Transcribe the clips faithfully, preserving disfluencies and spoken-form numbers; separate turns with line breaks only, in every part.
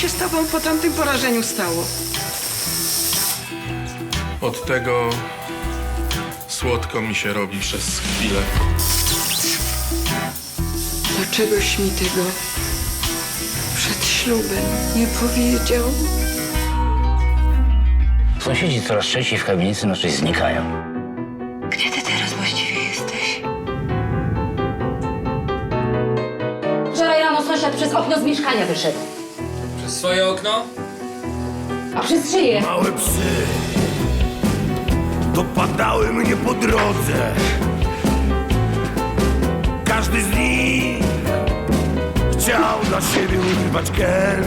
się z tobą po tamtym porażeniu stało?
Od tego słodko mi się robi przez chwilę.
Dlaczegoś mi tego przed ślubem nie powiedział?
Sąsiedzi coraz częściej w kamienicy naszej znikają.
Gdzie ty teraz właściwie jesteś?
Wczoraj rano sąsiad przez okno z mieszkania wyszedł.
Przez swoje okno?
A przez szyję.
Małe psy dopadały mnie po drodze. Każdy z nich chciał dla siebie używać kęs.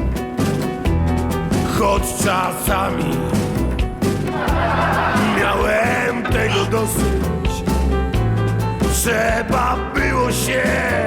Choć czasami miałem tego dosyć. Trzeba było się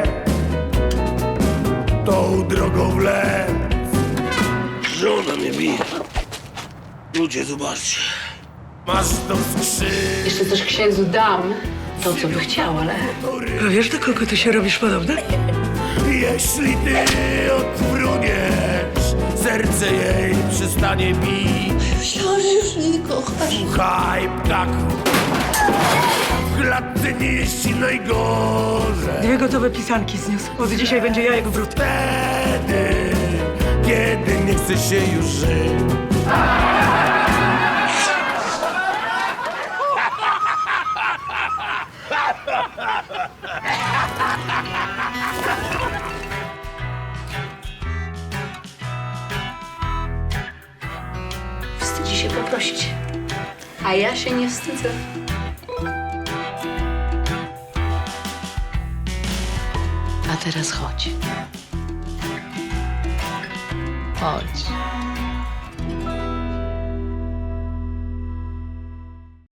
tą drogą wlec. Żona mnie bije. Ludzie, zobaczcie. Masz to skrzydło.
Jeszcze też księdzu dam to, co by chciał, ale...
A wiesz, do kogo ty się robisz podobna?
Jeśli ty odfruniesz, serce jej przestanie bić.
Myślałam, że już mnie nie kochasz.
Słuchaj, ptaku, w klatce nie jest ci najgorzej.
Dwie gotowe pisanki zniósł. Od dzisiaj będzie jajek wrót.
Wtedy, kiedy nie chce się już żyć.
Wstydzi się poprosić. A ja się nie wstydzę. A teraz chodź. Chodź.